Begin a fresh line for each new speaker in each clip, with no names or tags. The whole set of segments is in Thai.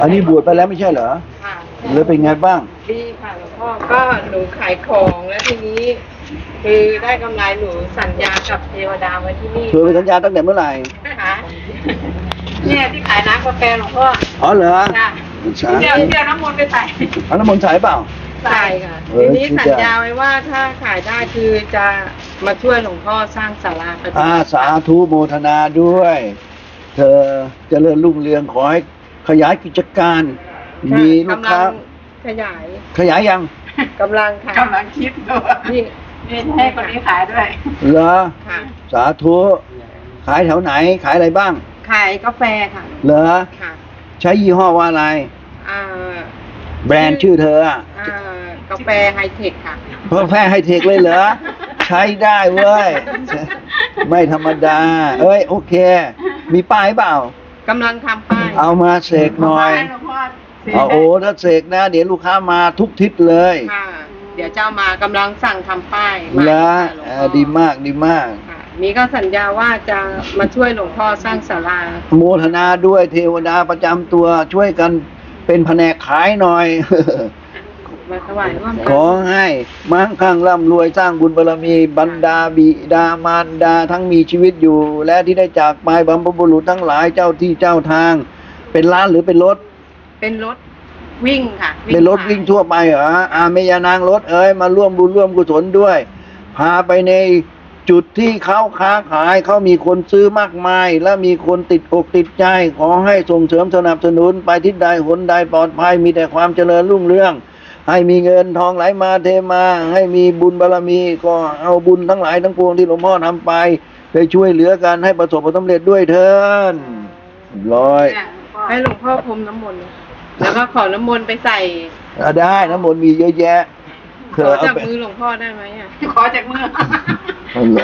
อันนี้บวชไปแล้วไม่ใช่เหรอ
ค่ะ
แล้วเป็นไงบ้าง
ดีค่ะหลวงพ่อก็หนูขายของแล้วทีนี้ คือได้กำไรหนูสัญญากับเทวดาไว้ที่นี่
เธอไปสัญญาตั้งแต่เมื่อไหร่
ค่ะเนี่ยที่ขายน้ำกาแฟหลวงพ่อ
อ๋อเหรอ
ค่ะ
ใช่
เดี๋ยวน้ำมนต์ไปใส่
เอาน้ำมนต์ใส่เปล่า
ใส่ค่ะ
เออ
ทีนี้
คิด
สัญญาไว้ว่าถ้าขายได้คือจะมาช่วยหลวงพ่อสร้างศาลาปฏิบัติ
สาธุโมทนาด้วย เธอเจริญรุ่งเรืองขอให้ขยายกิจการ มีลูกค้า
กำลังขยาย
ขยายยัง
กำลังค่ะ
กำลังคิดดู
นี่
นี่ให้คนนี้ขายด้วย
เหรอ
ค่ะ
สาธุขายแถวไหนขายอะไรบ้าง
ขายกาแฟค่ะ
เหรอ
ค่ะ
ใช้ยี่ห้อว่าอะไร
อ่า
แบรนด์ชื่อเธออะ
กาแฟไฮเทคค่ะ
เพิ่มแพ้ให้เทคเลยเหรอ ใช้ได้เว้ย ไม่ธรรมดา เอ้ยโอเค มีป้ายเปล่า
กำลังทำป้าย
เอามาเสกหน่อย
หลวงพ่อเสีย
เอาโอ้ถ้าเสกนะ เดี๋ยวลูกค้ามาทุกทิศเลย
ค่ะ เดี๋ยวเจ้ามากำลังสั่งทำป้าย
แล้ว
หลวงพ่อ
ดีมากดีมาก
ค่ะนี่ก็สัญญาว่าจะมาช่วยหลวงพ่อสร้างศาลา
โมทนาด้วยเทวดาประจำตัวช่วยกันเป็นแผนกขายหน่อย
มาถวายร่วม
ขอให้มั่งคั่งร่ำรวยสร้างบุญบารมีบรรดาบิดามารดาทั้งมีชีวิตอยู่ และที่ได้จากไปบรรพบุรุษทั้งหลายเจ้าที่เจ้าทาง เป็นล้านหรือเป็นรถ
เป็นรถวิ่งค่ะ
เป็นรถวิ่งทั่วไปเหรอเมยานางรถเอ้ยมาร่วมบุญร่วมกุศลด้วย พาไปในจุดที่เขาค้าขายเขามีคนซื้อมากมาย และมีคนติดอกติดใจ ขอให้ส่งเสริมสนับสนุนไปทิศใดหนใดปลอดภัยมีแต่ความเจริญรุ่งเรือง ให้มีเงินทองไหลมาเทมา ให้มีบุญบารมีก็เอาบุญทั้งหลายทั้งปวงที่หลวงพ่อทำไปช่วยเหลือกันให้ประสบความสำเร็จด้วยเถิดร้อย
เนี่ยหลวงพ่อ
ให้หลวงพ่อพรมน้ำมนต์แล้วก็ขอน้ำมนต์ไปใส่
ได้น้ำมนต์มีเยอะแยะเธ
ข
อ
อ
เอา
จาก
ไป
มือหลวงพ่อได้ไหมอ่ะ
ขอจากมือ
เอาเลย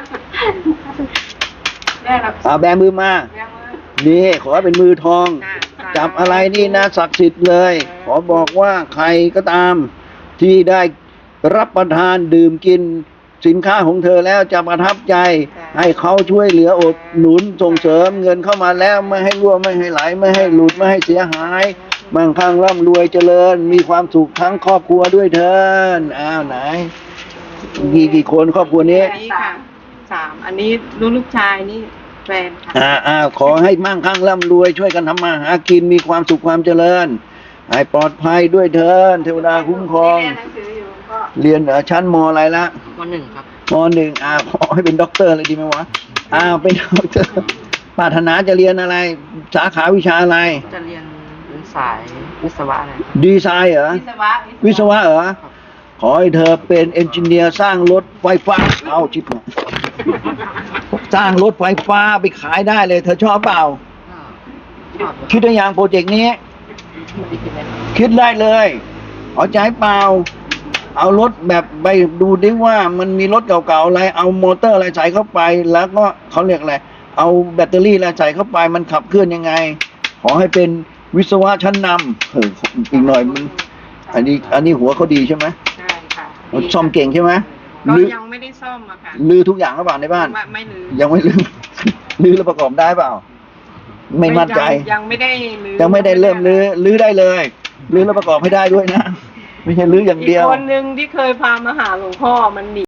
ได้รับ
เอาแบมือมา
แม่มือ
นี่ขอให้เป็นมือทอง
ค่ะ
จับอะไรนี่นะศักดิ์สิทธิ์เลย ขอบอกว่าใครก็ตาม ที่ได้รับประทานดื่มกินสินค้าของเธอแล้วจะประทับใจ ให้เขาช่วยเหลืออดหนุนส่งเสริมเงินเข้ามาแล้วไม่ให้รั่วไม่ให้ไหลไม่ให้หลุดไม่ให้เสียหายมั่งคั่งร่ำรวยเจริญ มีความสุขทั้งครอบครัวด้วยเถินอ้าวไหนกี่คนครอบครัวนี้
อันนี้ค่ะ3อันนี้ลูกชายนี่แฟนค่ะ
ขอให้มั่งคั่งร่ำรวยช่วยกันทำมาหากินมีความสุขความเจริญให้ปลอดภัยด้วยเถินเทวดาคุ้มครอง
เรียนหนังสืออยู่หลวงพ่อ
เรียนชั้นมอะไรละ
มหนึ่งครับ
มหนึ่งขอให้เป็นด็อกเตอร์เลยดีไหมวะเป็นด็อกเตอร์ปรารถนาจะเรียนอะไร สาขาวิชาอะไร
จะเรียนเป็นสายวิศวะอะไร
ดีไซน์เหรอ วิศวะเหรอ ขอให้เธอเป็นเอนจิเนียร์สร้างรถไฟฟ้า เอาชิบหายสร้างรถไฟฟ้าไปขายได้เลย เธอชอบเปล่า คิดได้ยังโปรเจกต์นี้ คิดได้เลยเอาใจเปล่า เอารถแบบไปดูดิว่ามันมีรถเก่าๆอะไร เอามอเตอร์อะไรใส่เข้าไป แล้วก็เขาเรียกอะไร เอาแบตเตอรี่อะไรใส่เข้าไป มันขับเคลื่อนยังไง ขอให้เป็นวิศวะชั้นนำอีกหน่อยมัน อันนี้หัวเขาดีใช่ไหม
ใช่ค่ะ
มันซ่อมเก่งใช่ไหม
ก็
ลื้อ
ยังไม่ได้ซ่อมอะค่ะ
ลื้อทุกอย่างหรือเปล่าในบ้าน
ไม่ลืม
ยังไม่ลื้อ ลื้อแล้วประกอบได้เปล่า ไม่มั่นใจ
ยังไม่ได้ลืม
ยังไม่ได้เริ่มลื้อได้เลยลื้อแล้วประกอบให้ได้ด้วยนะ ไม่ใช่ลื้ออย่าง
อีก
เดียว
คนนึงที่เคยพามาหาหลวงพ่อมันหนี